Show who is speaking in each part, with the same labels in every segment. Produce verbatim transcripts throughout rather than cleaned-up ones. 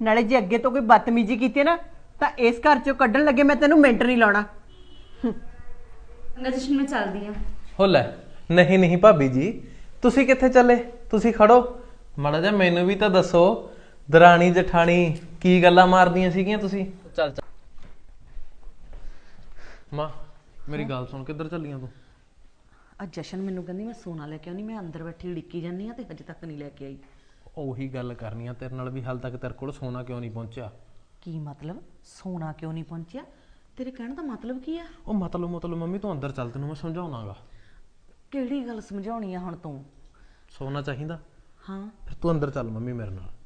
Speaker 1: नाले जे अगे तो कोई बदतमीजी की ना तो इस घर चो कड्ढन लगे मैं तेनों मिंट नहीं लाना।
Speaker 2: जशन मैं चलदी हां।
Speaker 3: हो ले नहीं नहीं भाभी जी तुसी कित्थे चले? तुसी खड़ो माड़ा जा मैनू भी तो दसो दरानी जठानी की गल्लां मारदियां सीगियां तुसी। चल चल मां मेरी गल सुन किधर चलियां तू?
Speaker 4: आ जशन मैनू कहंदी मैं सोना लेके आउणी, मैं अंदर बैठी उड़ीकी जानी आ ते अजे तक नहीं लेके आई।
Speaker 3: ਉਹੀ ਗੱਲ ਕਰਨੀ ਆ ਤੇਰੇ ਨਾਲ ਵੀ ਹਾਲ ਤੱਕ ਤੇਰੇ ਕੋਲ ਸੋਨਾ ਕਿਉਂ ਨਹੀਂ ਪਹੁੰਚਿਆ?
Speaker 4: ਕੀ ਮਤਲਬ ਸੋਨਾ ਕਿਉਂ ਨਹੀਂ ਪਹੁੰਚਿਆ? ਤੇਰੇ ਕਹਿਣ ਦਾ ਮਤਲਬ ਕੀ ਆ?
Speaker 3: ਉਹ ਮਤਲਬ ਮਤਲਬ ਮੰਮੀ ਤੂੰ ਅੰਦਰ ਚੱਲ ਤੈਨੂੰ ਮੈਂ ਸਮਝਾਉਣਾਗਾ।
Speaker 4: ਕਿਹੜੀ ਗੱਲ ਸਮਝਾਉਣੀ ਆ ਹੁਣ ਤੂੰ?
Speaker 3: ਸੋਨਾ ਚਾਹੀਦਾ?
Speaker 4: ਹਾਂ
Speaker 3: ਫਿਰ ਤੂੰ ਅੰਦਰ ਚੱਲ ਮੰਮੀ ਮੇਰੇ ਨਾਲ।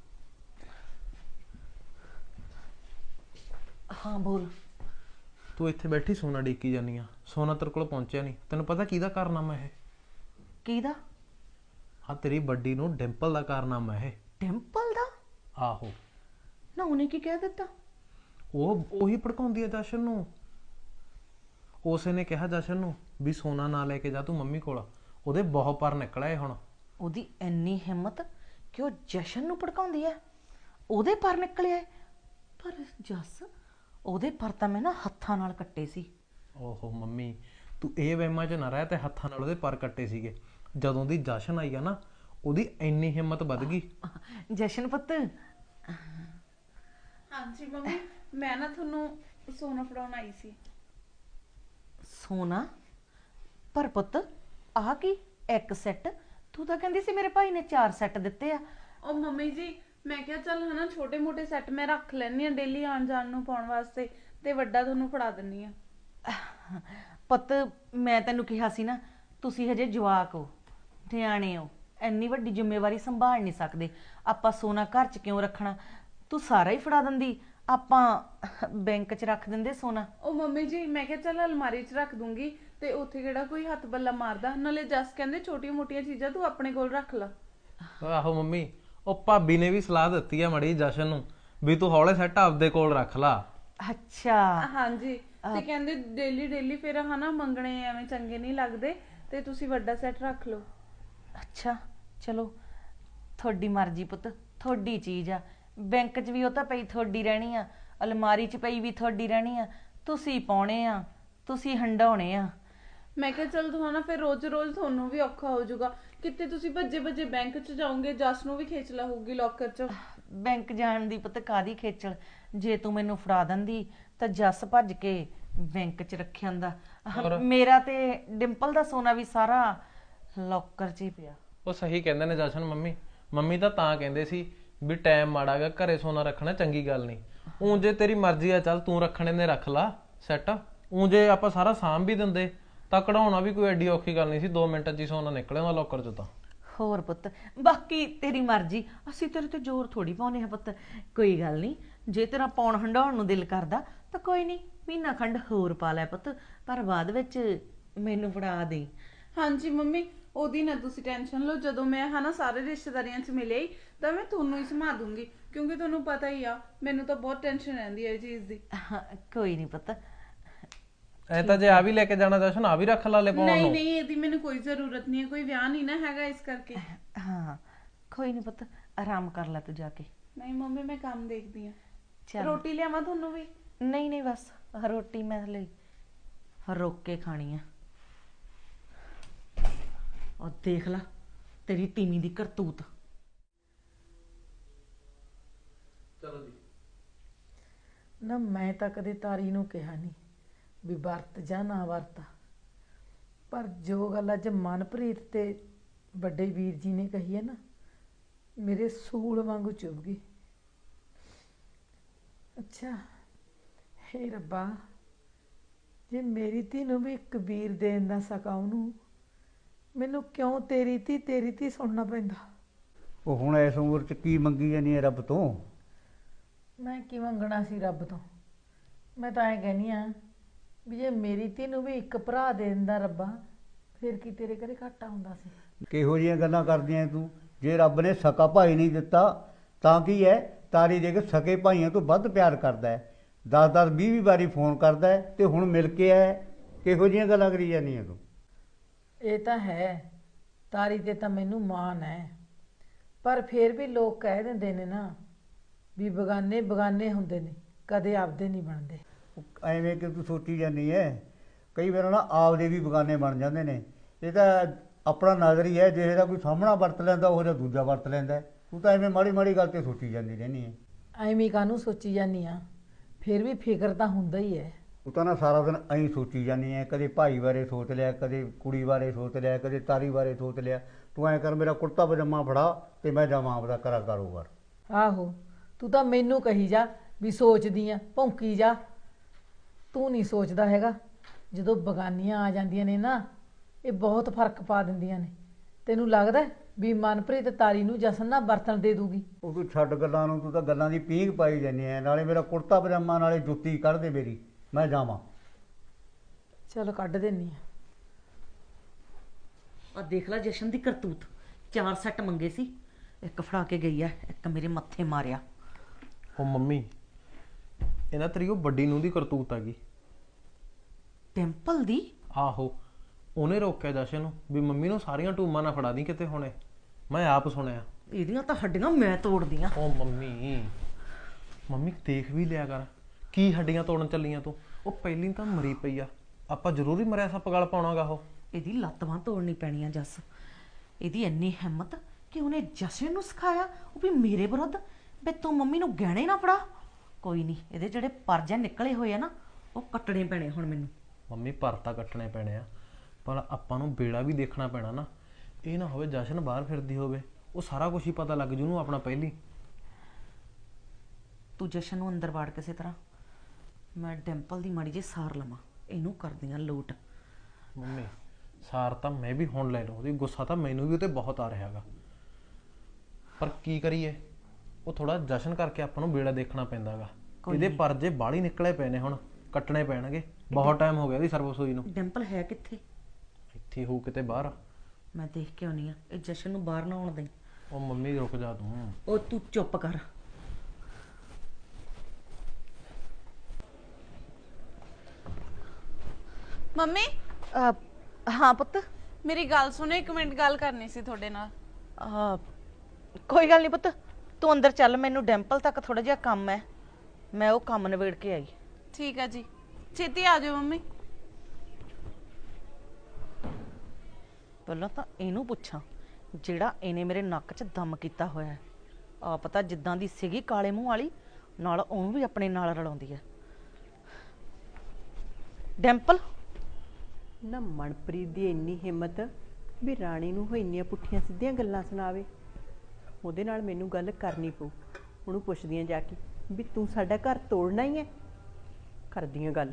Speaker 4: ਹਾਂ ਬੋਲ।
Speaker 3: ਤੂੰ ਇੱਥੇ ਬੈਠੀ ਸੋਨਾ ਡੀਕੀ ਜਾਨੀ ਆ, ਸੋਨਾ ਤੇਰੇ ਕੋਲ ਪਹੁੰਚਿਆ ਨਹੀਂ। ਤੈਨੂੰ ਪਤਾ ਕਿਹਦਾ ਕਾਰਨਾਮਾ ਇਹ?
Speaker 4: ਕਿਹਦਾ?
Speaker 3: ਆ ਤੇਰੀ ਵੱਡੀ ਨੂੰ ਡਿੰਪਲ ਦਾ ਕਾਰਨਾਮਾ ਇਹ।
Speaker 4: ਡਿੰਪਲ ਦਾ?
Speaker 3: ਆਹੋ
Speaker 4: ਨਾ ਉਹਨੇ ਕੀ ਕਹਿ ਦਿੱਤਾ?
Speaker 3: ਉਹ ਉਹੀ ਭੜਕਾਉਂਦੀ ਆ ਜਸ਼ਨ ਨੂੰ। ਉਸੇ ਨੇ ਕਿਹਾ ਜਸ਼ਨ ਨੂੰ ਵੀ ਸੋਨਾ ਨਾ ਲੈ ਕੇ ਜਾ ਤੂੰ ਮੰਮੀ ਕੋਲ। ਉਹਦੇ ਬਹੁਤ ਪਰ ਨਿਕਲਿਆ ਹੁਣ।
Speaker 4: ਉਹਦੀ ਇੰਨੀ ਹਿੰਮਤ ਕਿ ਉਹ ਜਸ਼ਨ ਨੂੰ ਭੜਕਾਉਂਦੀ ਹੈ? ਉਹਦੇ ਪਰ ਨਿਕਲਿਆ? ਪਰ ਜੱਸ ਉਹਦੇ ਪਰ ਤਾਂ ਮੈਂ ਨਾ ਹੱਥਾਂ ਨਾਲ ਕੱਟੇ ਸੀ।
Speaker 3: ਓਹੋ ਮੰਮੀ ਤੂੰ ਇਹ ਵਹਿਮਾਂ 'ਚ ਨਾ ਰਹਿ ਤੇ ਹੱਥਾਂ ਨਾਲ ਉਹਦੇ ਪਰ ਕੱਟੇ ਸੀਗੇ। ਜਦੋਂ ਦੀ ਜਸ਼ਨ ਆਈ ਆ ਨਾ ਉਹਦੀ ਇੰਨੀ ਹਿੰਮਤ ਵੱਧ ਗਈ।
Speaker 4: ਜਸ਼ਨ ਪੁੱਤ।
Speaker 2: ਹਾਂਜੀ ਮੰਮੀ ਮੈਂ ਨਾ ਤੁਹਾਨੂੰ ਸੋਨਾ ਫੜਾਉਣ ਆਈ ਸੀ।
Speaker 4: ਸੋਨਾ? ਪਰ ਪੁੱਤ ਆਹ ਕੀ ਇੱਕ ਸੈੱਟ? ਤੂੰ ਤਾਂ ਕਹਿੰਦੀ ਸੀ ਮੇਰੇ ਭਾਈ ਨੇ ਚਾਰ ਸੈੱਟ ਦਿੱਤੇ ਆ।
Speaker 2: ਉਹ ਮੰਮੀ ਜੀ ਮੈਂ ਕਿਹਾ ਚੱਲ ਹਨਾ ਛੋਟੇ ਮੋਟੇ ਸੈੱਟ ਮੈਂ ਰੱਖ ਲੈਣੀ ਆ ਡੇਲੀ ਆਉਣ ਜਾਣ ਨੂੰ ਪਾਉਣ ਵਾਸਤੇ ਤੇ ਵੱਡਾ ਤੁਹਾਨੂੰ ਫੜਾ ਦਿੰਨੀ ਆ।
Speaker 4: ਪੁੱਤ ਮੈਂ ਤੈਨੂੰ ਕਿਹਾ ਸੀ ਨਾ ਤੁਸੀਂ ਹਜੇ ਜਵਾਕ ਹੋ, ਨਿਆਣੇ ਹੋ, ਇੰਨੀ ਵੱਡੀ ਜ਼ਿੰਮੇਵਾਰੀ ਸੰਭਾਲ ਨਹੀਂ ਸਕਦੇ। ਆਪਾਂ ਸੋਨਾ ਘਰ 'ਚ ਕਿਉਂ ਰੱਖਣਾ? ਤੂੰ ਸਾਰਾ ਹੀ ਫੜਾ ਦਿੰਦੀ, ਆਪਾਂ ਬੈਂਕ 'ਚ ਰੱਖ ਦਿੰਦੇ ਸੋਨਾ।
Speaker 2: ਉਹ ਮੰਮੀ ਜੀ ਮੈਂ ਕਿਹਾ ਚੱਲ ਅਲਮਾਰੀ 'ਚ ਰੱਖ ਦੂੰਗੀ ਤੇ ਉੱਥੇ ਕਿਹੜਾ ਕੋਈ ਹੱਥ ਬੱਲਾ ਮਾਰਦਾ। ਨਾਲੇ ਜਸ ਕਹਿੰਦੇ ਛੋਟੀਆਂ ਮੋਟੀਆਂ ਚੀਜ਼ਾਂ ਤੂੰ ਆਪਣੇ ਕੋਲ ਰੱਖ ਲਾ।
Speaker 3: ਆਹੋ ਮੰਮੀ ਉਹ ਭਾਬੀ ਨੇ ਵੀ ਸਲਾਹ ਦਿੱਤੀ ਆ ਮੜੀ ਜਸ਼ਨ ਨੂੰ ਵੀ ਤੂੰ ਹੌਲੇ ਸੈੱਟ ਆਪਦੇ ਕੋਲ ਰੱਖ ਲਾ।
Speaker 4: ਅੱਛਾ
Speaker 2: ਹਾਂਜੀ ਤੇ ਕਹਿੰਦੇ ਡੇਲੀ ਡੇਲੀ ਫਿਰ ਹਨਾ ਮੰਗਣੇ ਐਵੇਂ ਚੰਗੇ ਨਹੀਂ ਲੱਗਦੇ ਤੇ ਤੁਸੀਂ ਵੱਡਾ ਸੈੱਟ ਰੱਖ ਲਓ।
Speaker 4: ਅੱਛਾ ਚਲੋ ਤੁਹਾਡੀ ਮਰਜ਼ੀ ਪੁੱਤ, ਤੁਹਾਡੀ ਚੀਜ਼ ਆ। ਬੈਂਕ 'ਚ ਵੀ ਉਹ ਤਾਂ ਪਈ ਤੁਹਾਡੀ ਰਹਿਣੀ ਆ, ਅਲਮਾਰੀ 'ਚ ਪਈ ਵੀ ਤੁਹਾਡੀ ਰਹਿਣੀ ਆ। ਤੁਸੀਂ ਪਾਉਣੇ ਆ, ਤੁਸੀਂ ਹੰਡਾਉਣੇ ਆ।
Speaker 2: ਮੈਂ ਕਿਹਾ ਚੱਲ ਤੂੰ ਹਨਾ ਫਿਰ ਰੋਜ਼ ਰੋਜ਼ ਤੁਹਾਨੂੰ ਵੀ ਔਖਾ ਹੋ ਜਾਊਗਾ। ਕਿਤੇ ਤੁਸੀਂ ਭੱਜੇ ਭੱਜੇ ਬੈਂਕ 'ਚ ਜਾਓਗੇ, ਜਸ ਨੂੰ ਵੀ ਖੇਚਲਾ ਹੋਊਗੀ ਲੋਕਰ 'ਚ।
Speaker 4: ਬੈਂਕ ਜਾਣ ਦੀ ਪੁੱਤ ਕਾਹਦੀ ਖੇਚਲ? ਜੇ ਤੂੰ ਮੈਨੂੰ ਫੜਾ ਦਿੰਦੀ ਤਾਂ ਜੱਸ ਭੱਜ ਕੇ ਬੈਂਕ 'ਚ ਰੱਖਿਆ ਹੁੰਦਾ। ਮੇਰਾ ਤੇ ਡਿੰਪਲ ਦਾ ਸੋਨਾ ਵੀ ਸਾਰਾ ਲੋਕਰ 'ਚ ਹੀ ਪਿਆ।
Speaker 3: ਉਹ ਸਹੀ ਕਹਿੰਦੇ ਨੇ ਜਸ਼ਨ ਮੰਮੀ। ਮੰਮੀ ਤਾਂ ਤਾਂ ਕਹਿੰਦੇ ਸੀ ਵੀ ਟਾਈਮ ਮਾੜਾ ਗਾ, ਘਰੇ ਸੋਨਾ ਰੱਖਣਾ ਚੰਗੀ ਗੱਲ ਨਹੀਂ। ਊਂ ਜੇ ਤੇਰੀ ਮਰਜ਼ੀ ਆ ਚੱਲ ਤੂੰ ਰੱਖਣੇ ਨੇ ਰੱਖ ਲਾ ਸੈੱਟ। ਊਂ ਜੇ ਆਪਾਂ ਸਾਰਾ ਸਾਂਭ ਵੀ ਦਿੰਦੇ ਤਾਂ ਕਢਾਉਣਾ ਵੀ ਕੋਈ ਐਡੀ ਔਖੀ ਗੱਲ ਨਹੀਂ ਸੀ। ਦੋ ਮਿੰਟਾਂ 'ਚ ਹੀ ਸੋਨਾ ਨਿਕਲਿਆ ਉਹਦਾ ਲੋਕਰ 'ਚੋਂ ਤਾਂ।
Speaker 4: ਹੋਰ ਪੁੱਤ ਬਾਕੀ ਤੇਰੀ ਮਰਜ਼ੀ, ਅਸੀਂ ਤੇਰੇ ਤੇ ਜ਼ੋਰ ਥੋੜੀ ਪਾਉਨੇ ਆ ਪੁੱਤ। ਕੋਈ ਗੱਲ ਨਹੀਂ, ਜੇ ਤੇਰਾ ਪਾਉਣ ਹੰਡਾਉਣ ਨੂੰ ਦਿਲ ਕਰਦਾ ਤਾਂ ਕੋਈ ਨਹੀਂ ਮਹੀਨਾ ਖੰਡ ਹੋਰ ਪਾ ਲੈ ਪੁੱਤ, ਪਰ ਬਾਅਦ ਵਿੱਚ ਮੈਨੂੰ ਫੜਾ ਦੇ।
Speaker 2: ਹਾਂਜੀ ਮੰਮੀ ਉਹਦੀ ਨਾ ਤੁਸੀਂ ਟੈਨਸ਼ਨ ਲਓ। ਜਦੋਂ ਮੈਂ ਹਨਾ ਸਾਰੇ ਰਿਸ਼ਤੇਦਾਰੀਆਂ 'ਚ ਮਿਲੇ ਤਾਂ ਮੈਂ ਤੁਹਾਨੂੰ ਹੀ ਸਮਾ ਦੂੰਗੀ, ਕਿਉਂਕਿ ਤੁਹਾਨੂੰ ਪਤਾ ਹੀ ਆ ਮੈਨੂੰ ਤਾਂ ਬਹੁਤ ਟੈਨਸ਼ਨ ਰਹਿੰਦੀ ਹੈ ਇਹ ਚੀਜ਼ ਦੀ।
Speaker 4: ਕੋਈ ਨਹੀਂ ਪੁੱਤ।
Speaker 3: ਐ ਤਾਂ ਜੇ ਆ ਵੀ ਲੈ ਕੇ ਜਾਣਾ ਜਸ਼ਨ ਆ ਵੀ ਰੱਖ ਲਾ ਲੈ ਪਾਉਣ ਨੂੰ।
Speaker 2: ਨਹੀਂ ਨਹੀਂ ਇਹਦੀ ਮੈਨੂੰ ਕੋਈ ਜ਼ਰੂਰਤ ਨਹੀਂ ਹੈ, ਕੋਈ ਵਿਆਹ ਨਹੀਂ ਨਾ ਹੈਗਾ ਇਸ ਕਰਕੇ।
Speaker 4: ਹਾਂ ਕੋਈ ਨਹੀਂ ਪੁੱਤ, ਆਰਾਮ ਕਰ ਲੈ ਤੂੰ ਜਾ ਕੇ।
Speaker 2: ਨਹੀਂ ਮੰਮੀ ਮੈਂ ਕੰਮ ਦੇਖਦੀ ਆ।
Speaker 4: ਚੱਲ
Speaker 2: ਰੋਟੀ ਲਿਆਵਾਂ ਤੁਹਾਨੂੰ ਵੀ?
Speaker 4: ਨਹੀਂ ਨਹੀਂ ਬਸ ਰੋਟੀ ਮੈਂ ਹਲੇ ਰੋਕ ਕੇ ਖਾਣੀ ਆ। ਉਹ ਦੇਖ ਲਾ ਤੇਰੀ ਤੀਵੀਂ ਦੀ ਕਰਤੂਤ।
Speaker 3: ਚਲੋ ਜੀ।
Speaker 5: ਨਾ ਮੈਂ ਤਾਂ ਕਦੇ ਤਾਰੀ ਨੂੰ ਕਿਹਾ ਨਹੀਂ ਵੀ ਵਰਤ ਜਾਂ ਨਾ ਵਰਤ, ਪਰ ਜੋ ਗੱਲ ਅੱਜ ਮਨਪ੍ਰੀਤ ਤੇ ਵੱਡੇ ਵੀਰ ਜੀ ਨੇ ਕਹੀ ਹੈ ਨਾ ਮੇਰੇ ਸੂਲ ਵਾਂਗੂ ਚੁੱਭ ਗਈ। ਅੱਛਾ ਹੇ ਰੱਬਾ, ਜੇ ਮੇਰੀ ਧੀ ਨੂੰ ਵੀ ਇੱਕ ਵੀਰ ਦੇਣ ਦਾ ਸਕਾ ਉਹਨੂੰ, ਮੈਨੂੰ ਕਿਉਂ ਤੇਰੀ ਧੀ ਤੇਰੀ ਧੀ ਸੁਣਨਾ ਪੈਂਦਾ?
Speaker 6: ਉਹ ਹੁਣ ਇਸ ਉਮਰ 'ਚ ਕੀ ਮੰਗੀ ਜਾਨੀ ਹੈ ਰੱਬ ਤੋਂ?
Speaker 5: ਮੈਂ ਕੀ ਮੰਗਣਾ ਸੀ ਰੱਬ ਤੋਂ? ਮੈਂ ਤਾਂ ਐਂ ਕਹਿੰਦੀ ਹਾਂ ਵੀ ਜੇ ਮੇਰੀ ਧੀ ਨੂੰ ਵੀ ਇੱਕ ਭਰਾ ਦੇ ਦਿੰਦਾ ਰੱਬਾ, ਫਿਰ ਕੀ ਤੇਰੇ ਘਰੇ ਘਾਟਾ ਹੁੰਦਾ ਸੀ?
Speaker 6: ਕਿਹੋ ਜਿਹੀਆਂ ਗੱਲਾਂ ਕਰਦੀਆਂ ਤੂੰ? ਜੇ ਰੱਬ ਨੇ ਸਕਾ ਭਾਈ ਨਹੀਂ ਦਿੱਤਾ ਤਾਂ ਕੀ ਹੈ? ਤਾਰੀ ਦੇ ਕੇ ਸਕੇ ਭਾਈਆਂ ਤੋਂ ਵੱਧ ਪਿਆਰ ਕਰਦਾ ਹੈ, ਦਸ ਦਸ ਵੀਹ ਵੀਹ ਵਾਰੀ ਫੋਨ ਕਰਦਾ ਹੈ ਤੇ ਹੁਣ ਮਿਲ ਕੇ ਆਇਆ। ਕਿਹੋ ਜਿਹੀਆਂ ਗੱਲਾਂ ਕਰੀ ਜਾਂਦੀਆਂ ਤੂੰ?
Speaker 5: ਇਹ ਤਾਂ ਹੈ ਤਾਰੀ ਤੇ ਤਾਂ ਮੈਨੂੰ ਮਾਣ ਹੈ, ਪਰ ਫਿਰ ਵੀ ਲੋਕ ਕਹਿ ਦਿੰਦੇ ਨੇ ਨਾ ਵੀ ਬਗਾਨੇ ਬਗਾਨੇ ਹੁੰਦੇ ਨੇ, ਕਦੇ ਆਪਦੇ ਨਹੀਂ ਬਣਦੇ।
Speaker 6: ਉਹ ਐਵੇਂ ਕਿ ਤੂੰ ਸੋਚੀ ਜਾਂਦੀ ਹੈ, ਕਈ ਵਾਰ ਨਾ ਆਪਦੇ ਵੀ ਬਗਾਨੇ ਬਣ ਜਾਂਦੇ ਨੇ। ਇਹ ਤਾਂ ਆਪਣਾ ਨਜ਼ਰੀ ਹੈ, ਜਿਹੇ ਦਾ ਕੋਈ ਸਾਹਮਣਾ ਵਰਤ ਲੈਂਦਾ ਉਹ ਜਿਹਾ ਦੂਜਾ ਵਰਤ ਲੈਂਦਾ। ਤੂੰ ਤਾਂ ਐਵੇਂ ਮਾੜੀ ਮਾੜੀ ਗੱਲ ਤੇ ਸੋਚੀ ਜਾਂਦੀ ਰਹਿੰਦੀ ਹੈ।
Speaker 5: ਐਵੇਂ ਕਾਹਨੂੰ ਸੋਚੀ ਜਾਂਦੀ ਆ, ਫਿਰ ਵੀ ਫਿਕਰ ਤਾਂ ਹੁੰਦਾ ਹੀ ਹੈ।
Speaker 6: ਤੂੰ ਤਾਂ ਨਾ ਸਾਰਾ ਦਿਨ ਐਂ ਸੋਚੀ ਜਾਂਦੀ ਹੈ, ਕਦੇ ਭਾਈ ਬਾਰੇ ਸੋਚ ਲਿਆ, ਕਦੇ ਕੁੜੀ ਬਾਰੇ ਸੋਚ ਲਿਆ, ਕਦੇ ਤਾਰੀ ਬਾਰੇ ਸੋਚ ਲਿਆ। ਤੂੰ ਐਂ ਕਰ, ਮੇਰਾ ਕੁੜਤਾ ਪਜਾਮਾ ਫੜਾ ਤੇ ਮੈਂ ਜਾਵਾਂ ਆਪਦਾ ਕਰਾ ਕਾਰੋਬਾਰ।
Speaker 5: ਆਹੋ, ਤੂੰ ਤਾਂ ਮੈਨੂੰ ਕਹੀ ਜਾ ਵੀ ਸੋਚਦੀ ਆ, ਭੌਂਕੀ ਜਾ। ਤੂੰ ਨਹੀਂ ਸੋਚਦਾ ਹੈਗਾ। ਜਦੋਂ ਬਗਾਨੀਆਂ ਆ ਜਾਂਦੀਆਂ ਨੇ ਨਾ, ਇਹ ਬਹੁਤ ਫਰਕ ਪਾ ਦਿੰਦੀਆਂ ਨੇ। ਤੈਨੂੰ ਲੱਗਦਾ ਵੀ ਮਨਪ੍ਰੀਤ ਤਾਰੀ ਨੂੰ ਜਸ਼ਨ ਨਾਲ ਬਰਤਨ ਦੇ ਦੂਗੀ?
Speaker 6: ਉਹ ਤੂੰ ਛੱਡ ਗੱਲਾਂ ਨੂੰ, ਤੂੰ ਤਾਂ ਗੱਲਾਂ ਦੀ ਪੀਂਘ ਪਾਈ ਜਾਂਦੀ ਹੈ। ਨਾਲੇ ਮੇਰਾ ਕੁੜਤਾ ਪਜਾਮਾ, ਨਾਲੇ ਜੁੱਤੀ ਕੱਢ ਦੇ ਮੇਰੀ, ਮੈਂ ਜਾਵਾਂ।
Speaker 5: ਚਲੋ ਕੱਢ ਦਿੰਨੀ ਆ।
Speaker 4: ਆ ਦੇਖ ਲੈ ਜਸ਼ਨ ਦੀ ਕਰਤੂਤ, ਚਾਰ ਸੈੱਟ ਮੰਗੇ ਸੀ, ਇੱਕ ਫੜਾ ਕੇ ਗਈ ਆ, ਇੱਕ ਮੇਰੇ ਮੱਥੇ ਮਾਰਿਆ।
Speaker 3: ਉਹ ਮੰਮੀ, ਇਹਨਾਂ ਤੇਰੀ ਉਹ ਵੱਡੀ ਨੂੰ ਦੀ ਕਰਤੂਤ ਆ ਗਈ।
Speaker 4: ਟੈਂਪਲ ਦੀ?
Speaker 3: ਆਹੋ, ਉਹਨੇ ਰੋਕਿਆ ਜਸ਼ਨ ਨੂੰ ਵੀ ਮੰਮੀ ਨੂੰ ਸਾਰੀਆਂ ਟੂਮਾਂ ਨਾ ਫੜਾ ਦੀ ਕਿਤੇ ਹੁਣੇ। ਮੈਂ ਆਪ ਸੁਣਿਆ।
Speaker 4: ਇਹਦੀਆਂ ਤਾਂ ਹੱਡੀਆਂ ਮੈਂ ਤੋੜਦੀਆਂ।
Speaker 3: ਉਹ ਮੰਮੀ, ਮੰਮੀ ਦੇਖ ਵੀ ਲਿਆ ਕਰ, ਕੀ ਹੱਡੀਆਂ ਤੋੜਨ ਚੱਲੀਆਂ ਤੂੰ? ਉਹ ਪਹਿਲੀ ਤਾਂ ਮਰੀ ਪਈ ਆ, ਆਪਾਂ ਜ਼ਰੂਰੀ ਮਰਿਆ ਸੱਪ ਗਲ ਪਾਉਣਾਗਾ। ਉਹ
Speaker 4: ਇਹਦੀ ਲੱਤ ਬਾਂਹ ਤੋੜਨੀ ਪੈਣੀ ਆ ਜੱਸ। ਇਹਦੀ ਇੰਨੀ ਹਿੰਮਤ ਕਿ ਉਹਨੇ ਜਸ਼ਨ ਨੂੰ ਸਿਖਾਇਆ ਉਹ ਵੀ ਮੇਰੇ ਵਿਰੁੱਧ ਵੀ ਤੂੰ ਮੰਮੀ ਨੂੰ ਗਹਿਣੇ ਨਾ ਫੜਾ। ਕੋਈ ਨਹੀਂ, ਇਹਦੇ ਜਿਹੜੇ ਪਰਜੇ ਨਿਕਲੇ ਹੋਏ ਆ ਨਾ, ਉਹ ਕੱਟਣੇ ਪੈਣੇ ਹੁਣ ਮੈਨੂੰ।
Speaker 3: ਮੰਮੀ ਪਰ ਤਾਂ ਕੱਟਣੇ ਪੈਣੇ ਆ, ਪਰ ਆਪਾਂ ਨੂੰ ਵੇਲਾ ਵੀ ਦੇਖਣਾ ਪੈਣਾ ਨਾ। ਇਹ ਨਾ ਹੋਵੇ ਜਸ਼ਨ ਬਾਹਰ ਫਿਰਦੀ ਹੋਵੇ, ਉਹ ਸਾਰਾ ਕੁਝ ਹੀ ਪਤਾ ਲੱਗ ਜੂ ਉਹਨੂੰ ਆਪਣਾ ਪਹਿਲੀ।
Speaker 4: ਤੂੰ ਜਸ਼ਨ ਨੂੰ ਅੰਦਰ ਵਾੜ ਕਿਸੇ ਤਰ੍ਹਾਂ, ਮੈਂ ਡਿੰਪਲ ਦੀ ਮਾੜੀ ਜਿਹੀ ਸਾਰ ਲਵਾਂ, ਇਹਨੂੰ ਕਰਦੀਆਂ ਲੋਟ।
Speaker 3: ਮੰਮੀ ਸਾਰ ਤਾਂ ਮੈਂ ਵੀ ਹੁਣ ਲੈ ਲਵਾਂ, ਉਹਦੀ ਗੁੱਸਾ ਤਾਂ ਮੈਨੂੰ ਵੀ ਉਹ 'ਤੇ ਬਹੁਤ ਆ ਰਿਹਾ ਗਾ, ਪਰ ਕੀ ਕਰੀਏ? ਉਹ ਥੋੜਾ ਜਸ਼ਨ ਕਰਕੇ ਆਪਾਂ ਨੂੰ ਵੇਲਾ ਦੇਖਣਾ ਪੈਂਦਾ ਗਾ। ਇਹਦੇ ਪਰਜੇ ਬਾਹਲੀ ਨਿਕਲੇ ਪਏ ਨੇ, ਹੁਣ ਕੱਟਣੇ ਪੈਣਗੇ। ਬਹੁਤ ਟਾਈਮ ਹੋ ਗਿਆ ਇਹਦੀ ਸਰਵਿਸ ਨੂੰ।
Speaker 4: ਡਿੰਪਲ ਹੈ ਕਿੱਥੇ?
Speaker 3: ਇੱਥੇ ਹੋਊ ਕਿਤੇ ਬਾਹਰ।
Speaker 4: ਮੈਂ ਦੇਖ ਕੇ ਆਉਣੀ ਆ, ਇਹ ਜਸ਼ਨ ਨੂੰ ਬਾਹਰ ਨਾ ਆਉਣ ਦੇਈਂ।
Speaker 3: ਉਹ ਮੰਮੀ ਰੁਕ ਜਾ ਤੂੰ।
Speaker 4: ਉਹ ਤੂੰ ਚੁੱਪ ਕਰ।
Speaker 2: ਮੰਮੀ
Speaker 4: ਹਾਂ ਪੁੱਤ।
Speaker 2: ਮੇਰੀ ਗੱਲ ਸੁਣੋ, ਇੱਕ ਮਿੰਟ ਗੱਲ ਕਰਨੀ ਸੀ ਤੁਹਾਡੇ ਨਾਲ।
Speaker 4: ਆ ਕੋਈ ਗੱਲ ਨਹੀਂ ਪੁੱਤ, ਤੂੰ ਅੰਦਰ ਚੱਲ, ਮੈਨੂੰ ਡਿੰਪਲ ਤੱਕ ਥੋੜਾ ਜਿਹਾ ਕੰਮ ਹੈ, ਮੈਂ ਉਹ ਕੰਮ ਨਿਬੇੜ ਕੇ ਆਈ।
Speaker 2: ਠੀਕ ਹੈ ਜੀ, ਛੇਤੀ ਆ ਜਾਓ ਮੰਮੀ।
Speaker 4: ਪਹਿਲਾਂ ਤਾਂ ਇਹਨੂੰ ਪੁੱਛਾਂ ਜਿਹੜਾ ਇਹਨੇ ਮੇਰੇ ਨੱਕ 'ਚ ਦਮ ਕੀਤਾ ਹੋਇਆ ਹੈ। ਆ ਪਤਾ ਜਿੱਦਾਂ ਦੀ ਸੀਗੀ ਕਾਲੇ ਮੂੰਹ ਵਾਲੀ, ਨਾਲ ਉਹਨੂੰ ਵੀ ਆਪਣੇ ਨਾਲ ਰਲਾਉਂਦੀ ਹੈ। ਡਿੰਪਲ,
Speaker 1: ਨਾ ਮਨਪ੍ਰੀਤ ਦੀ ਇੰਨੀ ਹਿੰਮਤ ਵੀ ਰਾਣੀ ਨੂੰ ਉਹ ਇੰਨੀਆਂ ਪੁੱਠੀਆਂ ਸਿੱਧੀਆਂ ਗੱਲਾਂ ਸੁਣਾਵੇ। ਉਹਦੇ ਨਾਲ ਮੈਨੂੰ ਗੱਲ ਕਰਨੀ ਪਊ। ਉਹਨੂੰ ਪੁੱਛਦੀਆਂ ਜਾ ਕੇ ਵੀ ਤੂੰ ਸਾਡਾ ਘਰ ਤੋੜਨਾ ਹੀ ਹੈ। ਕਰਦੀਆਂ ਗੱਲ।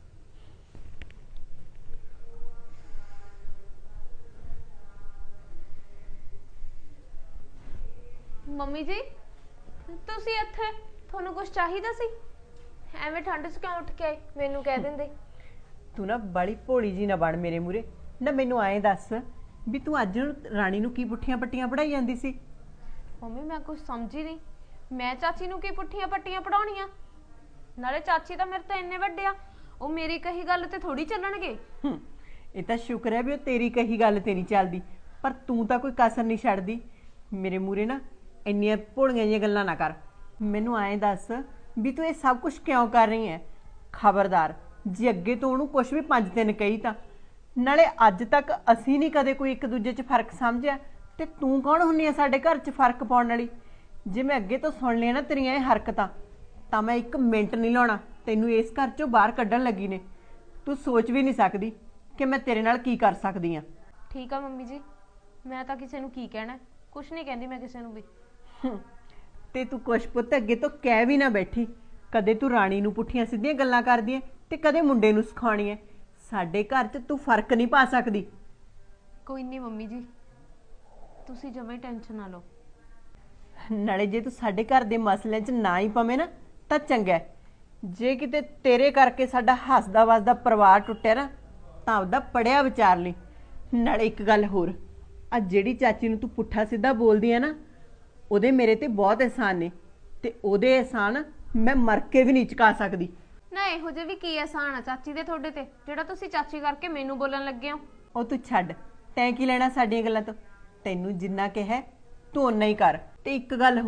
Speaker 7: ਮੰਮੀ ਜੀ, ਤੁਸੀਂ ਇੱਥੇ? ਤੁਹਾਨੂੰ ਕੁਝ ਚਾਹੀਦਾ ਸੀ? ਐਵੇਂ ਠੰਡ 'ਚ ਕਿਉਂ ਉੱਠ ਕੇ ਆਏ? ਮੈਨੂੰ ਕਹਿ ਦਿੰਦੇ।
Speaker 1: ਤੂੰ ਨਾ ਬੜੀ ਭੋਲੀ ਜੀ ਨਾ ਬਣ ਮੇਰੇ ਮੂਰੇ। ਨਾ ਮੈਨੂੰ ਐਂ ਦੱਸ ਵੀ ਤੂੰ ਅੱਜ ਰਾਣੀ ਨੂੰ ਕੀ ਪੁੱਠੀਆਂ ਪੱਟੀਆਂ ਪੜਾਈ ਜਾਂਦੀ ਸੀ?
Speaker 7: ਮੰਮੀ ਮੈਂ ਕੁਝ ਸਮਝੀ ਨਹੀਂ। ਮੈਂ ਚਾਚੀ ਨੂੰ ਕੀ ਪੁੱਠੀਆਂ ਪੱਟੀਆਂ ਪੜਾਉਣੀਆਂ? ਨਾਲੇ ਚਾਚੀ ਤਾਂ ਮੇਰੇ ਤੋਂ ਇੰਨੇ ਵੱਡੇ ਆ, ਉਹ ਮੇਰੀ ਕਹੀ ਗੱਲ ਤੇ ਥੋੜੀ ਚੱਲਣਗੇ।
Speaker 1: ਹੂੰ, ਇਹ ਤਾਂ ਸ਼ੁਕਰ ਹੈ ਵੀ ਉਹ ਤੇਰੀ ਕਹੀ ਗੱਲ ਤੇ ਨਹੀਂ ਚੱਲਦੀ, ਪਰ ਤੂੰ ਤਾਂ ਕੋਈ ਕਸਰ ਨਹੀਂ ਛੱਡਦੀ। ਮੇਰੇ ਮੂਰੇ ਨਾ ਇੰਨੀਆਂ ਭੋਲੀਆਂ ਜਿਹੀਆਂ ਗੱਲਾਂ ਨਾ ਕਰ। ਮੈਨੂੰ ਐਂ ਦੱਸ ਵੀ ਤੂੰ ਇਹ ਸਭ ਕੁਝ ਕਿਉਂ ਕਰ ਰਹੀ ਹੈ? ਖਬਰਦਾਰ ਜੇ ਅੱਗੇ ਤੋਂ ਉਹਨੂੰ ਕੁਝ ਵੀ ਪੰਜ ਦਿਨ ਕਹੀ ਤਾਂ। ਨਾਲੇ ਅੱਜ ਤੱਕ ਅਸੀਂ ਨਹੀਂ ਕਦੇ ਕੋਈ ਇੱਕ ਦੂਜੇ 'ਚ ਫਰਕ ਸਮਝਿਆ, ਤੇ ਤੂੰ ਕੌਣ ਹੁੰਨੀ ਆ ਸਾਡੇ ਘਰ 'ਚ ਫਰਕ ਪਾਉਣ ਵਾਲੀ? ਜੇ ਮੈਂ ਅੱਗੇ ਤੋਂ ਸੁਣ ਲਿਆ ਨਾ ਤੇਰੀਆਂ ਇਹ ਹਰਕਤਾਂ, ਤਾਂ ਮੈਂ ਇੱਕ ਮਿੰਟ ਨਹੀਂ ਲਾਉਣਾ ਤੈਨੂੰ ਇਸ ਘਰ 'ਚੋਂ ਬਾਹਰ ਕੱਢਣ ਲੱਗੀ ਨੇ। ਤੂੰ ਸੋਚ ਵੀ ਨਹੀਂ ਸਕਦੀ ਕਿ ਮੈਂ ਤੇਰੇ ਨਾਲ ਕੀ ਕਰ ਸਕਦੀ ਹਾਂ।
Speaker 7: ਠੀਕ ਆ ਮੰਮੀ ਜੀ, ਮੈਂ ਤਾਂ ਕਿਸੇ ਨੂੰ ਕੀ ਕਹਿਣਾ, ਕੁਝ ਨਹੀਂ ਕਹਿੰਦੀ ਮੈਂ ਕਿਸੇ ਨੂੰ ਵੀ।
Speaker 1: ਤੇ ਤੂੰ ਕੁਛ ਪੁੱਤ ਅੱਗੇ ਤੋਂ ਕਹਿ ਵੀ ਨਾ ਬੈਠੀ। ਕਦੇ ਤੂੰ ਰਾਣੀ ਨੂੰ ਪੁੱਠੀਆਂ ਸਿੱਧੀਆਂ ਗੱਲਾਂ ਕਰਦੀ ਐ ਤੇ ਕਦੇ ਮੁੰਡੇ ਨੂੰ ਸਿਖਾਉਣੀ ਐ। ਸਾਡੇ ਘਰ 'ਚ ਤੂੰ ਫਰਕ ਨਹੀਂ ਪਾ ਸਕਦੀ।
Speaker 7: ਕੋਈ ਨਹੀਂ ਮੰਮੀ ਜੀ, ਤੁਸੀਂ ਜਮਾਂ ਹੀ ਟੈਨਸ਼ਨ ਨਾ ਲਓ।
Speaker 1: ਨਾਲੇ ਜੇ ਤੂੰ ਸਾਡੇ ਘਰ ਦੇ ਮਸਲਿਆਂ 'ਚ ਨਾ ਹੀ ਪਵੇਂ ਨਾ ਤਾਂ ਚੰਗਾ। ਜੇ ਕਿਤੇ ਤੇਰੇ ਕਰਕੇ ਸਾਡਾ ਹੱਸਦਾ ਵਸਦਾ ਪਰਿਵਾਰ ਟੁੱਟਿਆ ਨਾ, ਤਾਂ ਆਪਦਾ ਪੜਿਆ ਵਿਚਾਰ ਲਈ। ਨਾਲੇ ਇੱਕ ਗੱਲ ਹੋਰ, ਆ ਜਿਹੜੀ ਚਾਚੀ ਨੂੰ ਤੂੰ ਪੁੱਠਾ ਸਿੱਧਾ ਬੋਲਦੀ ਆ ਨਾ, ਉਹਦੇ ਮੇਰੇ ਤੇ ਬਹੁਤ ਅਹਿਸਾਨ ਨੇ, ਤੇ ਉਹਦੇ ਅਹਿਸਾਨ ਮੈਂ ਮਰ ਕੇ ਵੀ ਨਹੀਂ ਚੁਕਾ ਸਕਦੀ।
Speaker 7: ਨਾ ਇਹੋ ਜਿਹੇ ਵੀ ਕੀ ਆਸਾਨ ਆ ਚਾਚੀ ਦੇ ਤੁਹਾਡੇ ਤੇ, ਜਿਹੜਾ ਤੁਸੀਂ ਚਾਚੀ ਕਰਕੇ ਮੈਨੂੰ ਬੋਲਣ ਲੱਗੇ ਹੋ?
Speaker 1: ਉਹ ਤੂੰ ਛੱਡ, ਤੈਂ ਕੀ ਲੈਣਾ ਸਾਡੀਆਂ ਗੱਲਾਂ ਤੋਂ? ਤੈਨੂੰ ਜਿੰਨਾ ਕਿਹਾ ਤੂੰ ਓਨਾ ਹੀ ਕਰ। ਤੇ ਇੱਕ ਗੱਲ ਹੋਰ,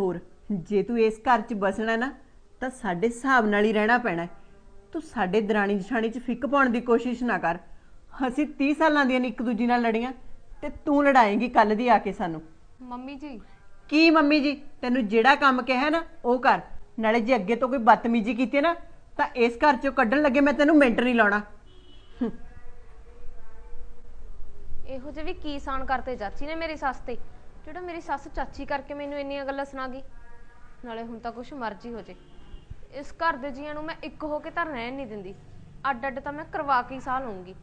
Speaker 1: ਜੇ ਤੂੰ ਇਸ ਘਰ 'ਚ ਬਸਣਾ ਨਾ ਤਾਂ ਸਾਡੇ ਹਿਸਾਬ ਨਾਲ ਹੀ ਰਹਿਣਾ ਪੈਣਾ ਹੈ। ਤੂੰ ਸਾਡੇ ਦਰਾਣੀ ਜਠਾਣੀ 'ਚ ਫਿੱਕ ਪਾਉਣ ਦੀ ਕੋਸ਼ਿਸ਼ ਨਾ ਕਰ। ਅਸੀਂ ਤੀਹ ਸਾਲਾਂ ਦੀਆਂ ਨੇ ਇੱਕ ਦੂਜੀ ਨਾਲ ਲੜੀਆਂ ਤੇ ਤੂੰ ਲੜਾਏਂਗੀ ਕੱਲ ਦੀ ਆ ਕੇ ਸਾਨੂੰ।
Speaker 7: ਮੰਮੀ ਜੀ
Speaker 1: ਕੀ ਮੰਮੀ ਜੀ, ਤੈਨੂੰ ਜਿਹੜਾ ਕੰਮ ਕਿਹਾ ਨਾ ਉਹ ਕਰ। ਨਾਲੇ ਜੇ ਅੱਗੇ ਤੋਂ ਕੋਈ ਬਦਤਮੀਜ਼ੀ ਕੀਤੀ ਨਾ ਤਾਂ ਇਸ ਘਰ 'ਚੋਂ ਕੱਢਣ ਲੱਗੇ ਮੈਂ ਤੈਨੂੰ ਮਿੰਟ ਨਹੀਂ ਲਾਉਣਾ।
Speaker 7: ਇਹੋ ਜਿਹੇ ਵੀ ਕੀ ਸਾਨ ਕਰਤੇ ਚਾਚੀ ਨੇ ਮੇਰੀ ਸੱਸ ਤੇ, ਜਿਹੜਾ ਮੇਰੀ ਸੱਸ ਚਾਚੀ ਕਰਕੇ ਮੈਨੂੰ ਇੰਨੀਆਂ ਗੱਲਾਂ ਸੁਣਾ ਗਈ। ਨਾਲੇ ਹੁਣ ਤਾਂ ਕੁਛ ਮਰਜ਼ੀ ਹੋ ਜੇ, ਇਸ ਘਰ ਦੇ ਜੀਆਂ ਨੂੰ ਮੈਂ ਇੱਕ ਹੋ ਕੇ ਤਾਂ ਰਹਿਣ ਨਹੀਂ ਦਿੰਦੀ। ਅੱਡ ਅੱਡ ਤਾਂ ਮੈਂ ਕਰਵਾ ਕੇ ਹੀ ਸਾਹ ਲਊਂਗੀ।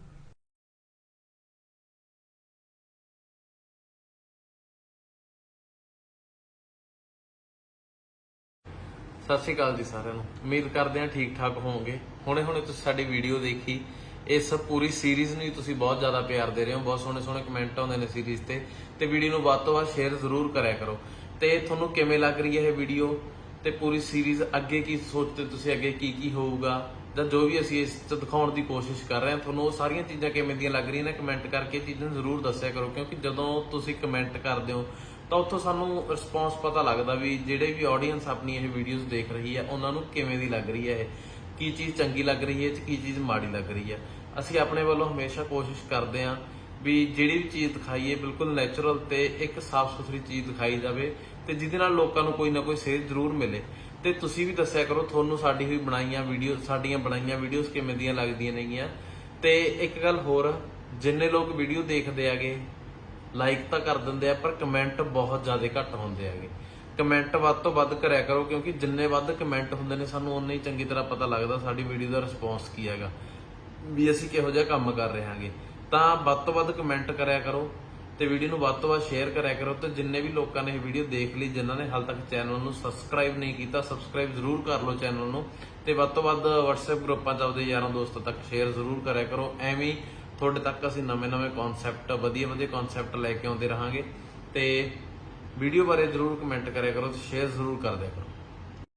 Speaker 3: ਸਤਿ ਸ਼੍ਰੀ ਅਕਾਲ ਜੀ ਸਾਰਿਆਂ ਨੂੰ। ਉਮੀਦ ਕਰਦੇ ਹਾਂ ਠੀਕ ਠਾਕ ਹੋਵੋਗੇ। ਹੁਣੇ ਹੁਣੇ ਤੁਸੀਂ ਸਾਡੀ ਵੀਡੀਓ ਦੇਖੀ, ਇਸ ਪੂਰੀ ਸੀਰੀਜ਼ ਨੂੰ ਤੁਸੀਂ ਬਹੁਤ ਜ਼ਿਆਦਾ ਪਿਆਰ ਦੇ ਰਹੇ ਹੋ। ਬਹੁਤ ਸੋਹਣੇ ਸੋਹਣੇ ਕਮੈਂਟ ਆਉਂਦੇ ਨੇ ਸੀਰੀਜ਼ ਤੇ ਤੇ ਵੀਡੀਓ ਨੂੰ ਵੱਧ ਤੋਂ ਵੱਧ ਸ਼ੇਅਰ ਜ਼ਰੂਰ ਕਰਿਆ ਕਰੋ। ਤੇ ਤੁਹਾਨੂੰ ਕਿਵੇਂ ਲੱਗ ਰਹੀ ਹੈ ਇਹ ਵੀਡੀਓ ਤੇ ਪੂਰੀ ਸੀਰੀਜ਼, ਅੱਗੇ ਕੀ ਸੋਚਦੇ ਤੁਸੀਂ, ਅੱਗੇ ਕੀ ਕੀ ਹੋਊਗਾ ਜਾਂ ਜੋ ਵੀ ਅਸੀਂ ਇਸ 'ਚ ਦਿਖਾਉਣ ਦੀ ਕੋਸ਼ਿਸ਼ ਕਰ ਰਹੇ ਹਾਂ, ਤੁਹਾਨੂੰ ਉਹ ਸਾਰੀਆਂ ਚੀਜ਼ਾਂ ਕਿਵੇਂ ਦੀਆਂ ਲੱਗ ਰਹੀਆਂ ਨੇ ਕਮੈਂਟ ਕਰਕੇ ਚੀਜ਼ਾਂ ਜ਼ਰੂਰ ਦੱਸਿਆ ਕਰੋ। ਕਿਉਂਕਿ ਜਦੋਂ ਤੁਸੀਂ ਕਮੈਂਟ ਕਰਦੇ ਹੋ ਤਾਂ ਉੱਥੋਂ ਸਾਨੂੰ ਰਿਸਪੌਂਸ ਪਤਾ ਲੱਗਦਾ ਵੀ ਜਿਹੜੇ ਵੀ ਆਡੀਅנס ਆਪਣੀ ਇਹ ਵੀਡੀਓਜ਼ ਦੇਖ ਰਹੀ ਹੈ ਉਹਨਾਂ ਨੂੰ ਕਿਵੇਂ ਦੀ ਲੱਗ ਰਹੀ ਹੈ, ਇਹ ਕੀ ਚੀਜ਼ ਚੰਗੀ ਲੱਗ ਰਹੀ ਹੈ ਤੇ ਕੀ ਚੀਜ਼ ਮਾੜੀ ਲੱਗ ਰਹੀ ਹੈ। ਅਸੀਂ ਆਪਣੇ ਵੱਲੋਂ ਹਮੇਸ਼ਾ ਕੋਸ਼ਿਸ਼ ਕਰਦੇ ਹਾਂ ਵੀ ਜਿਹੜੀ ਵੀ ਚੀਜ਼ ਦਿਖਾਈਏ ਬਿਲਕੁਲ ਨੈਚੁਰਲ ਤੇ ਇੱਕ ਸਾਫ਼ ਸੁਥਰੀ ਚੀਜ਼ ਦਿਖਾਈ ਜਾਵੇ ਤੇ ਜਿਹਦੇ ਨਾਲ ਲੋਕਾਂ ਨੂੰ ਕੋਈ ਨਾ ਕੋਈ ਸੇਧ ਜ਼ਰੂਰ ਮਿਲੇ। ਤੇ ਤੁਸੀਂ ਵੀ ਦੱਸਿਆ ਕਰੋ ਤੁਹਾਨੂੰ ਸਾਡੀ ਹੋਈ ਬਣਾਈਆਂ ਵੀਡੀਓ, ਸਾਡੀਆਂ ਬਣਾਈਆਂ ਵੀਡੀਓਜ਼ ਕਿਵੇਂ ਦੀਆਂ ਲੱਗਦੀਆਂ ਨੇਗੀਆਂ। ਤੇ ਇੱਕ ਗੱਲ ਹੋਰ, ਜਿੰਨੇ ਲੋਕ ਵੀਡੀਓ ਦੇਖਦੇ ਆਗੇ ਲਾਈਕ ਤਾਂ ਕਰ ਦਿੰਦੇ ਆ, ਪਰ ਕਮੈਂਟ ਬਹੁਤ ਜ਼ਿਆਦਾ ਘੱਟ ਹੁੰਦੇ ਹੈਗੇ। ਕਮੈਂਟ ਵੱਧ ਤੋਂ ਵੱਧ ਕਰਿਆ ਕਰੋ, ਕਿਉਂਕਿ ਜਿੰਨੇ ਵੱਧ ਕਮੈਂਟ ਹੁੰਦੇ ਨੇ ਸਾਨੂੰ ਉਨੇ ਹੀ ਚੰਗੀ ਤਰ੍ਹਾਂ ਪਤਾ ਲੱਗਦਾ ਸਾਡੀ ਵੀਡੀਓ ਦਾ ਰਿਸਪੌਂਸ ਕੀ ਹੈਗਾ, ਵੀ ਅਸੀਂ ਕਿਹੋ ਜਿਹਾ ਕੰਮ ਕਰ ਰਹੇ ਹਾਂਗੇ। ਤਾਂ ਵੱਧ ਤੋਂ ਵੱਧ ਕਮੈਂਟ ਕਰਿਆ ਕਰੋ ਤੇ ਵੀਡੀਓ ਨੂੰ ਵੱਧ ਤੋਂ ਵੱਧ ਸ਼ੇਅਰ ਕਰਿਆ ਕਰੋ। ਤੇ ਜਿੰਨੇ ਵੀ ਲੋਕਾਂ ਨੇ ਇਹ ਵੀਡੀਓ ਦੇਖ ਲਈ, ਜਿਨ੍ਹਾਂ ਨੇ ਹਾਲ ਤੱਕ ਚੈਨਲ ਨੂੰ ਸਬਸਕ੍ਰਾਈਬ ਨਹੀਂ ਕੀਤਾ, ਸਬਸਕ੍ਰਾਈਬ ਜ਼ਰੂਰ ਕਰ ਲਓ ਚੈਨਲ ਨੂੰ। ਤੇ ਵੱਧ ਤੋਂ ਵੱਧ WhatsApp ਗਰੁੱਪਾਂ 'ਚ ਆਪਦੇ ਯਾਰਾਂ ਦੋਸਤਾਂ ਤੱਕ ਸ਼ੇਅਰ ਜ਼ਰੂਰ ਕਰਿਆ ਕਰੋ। ਐਵੇਂ ਤੁਹਾਡੇ ਤੱਕ ਅਸੀਂ ਨਵੇਂ-ਨਵੇਂ ਕਨਸੈਪਟ, ਵਧੀਆ ਵਧੀਆ ਕਨਸੈਪਟ ਲੈ ਕੇ ਆਉਂਦੇ ਰਹਾਂਗੇ। ਤੇ ਵੀਡੀਓ ਬਾਰੇ ਜ਼ਰੂਰ ਕਮੈਂਟ ਕਰਿਆ ਕਰੋ ਤੇ ਸ਼ੇਅਰ ਜ਼ਰੂਰ ਕਰ ਦਿਆ ਕਰੋ।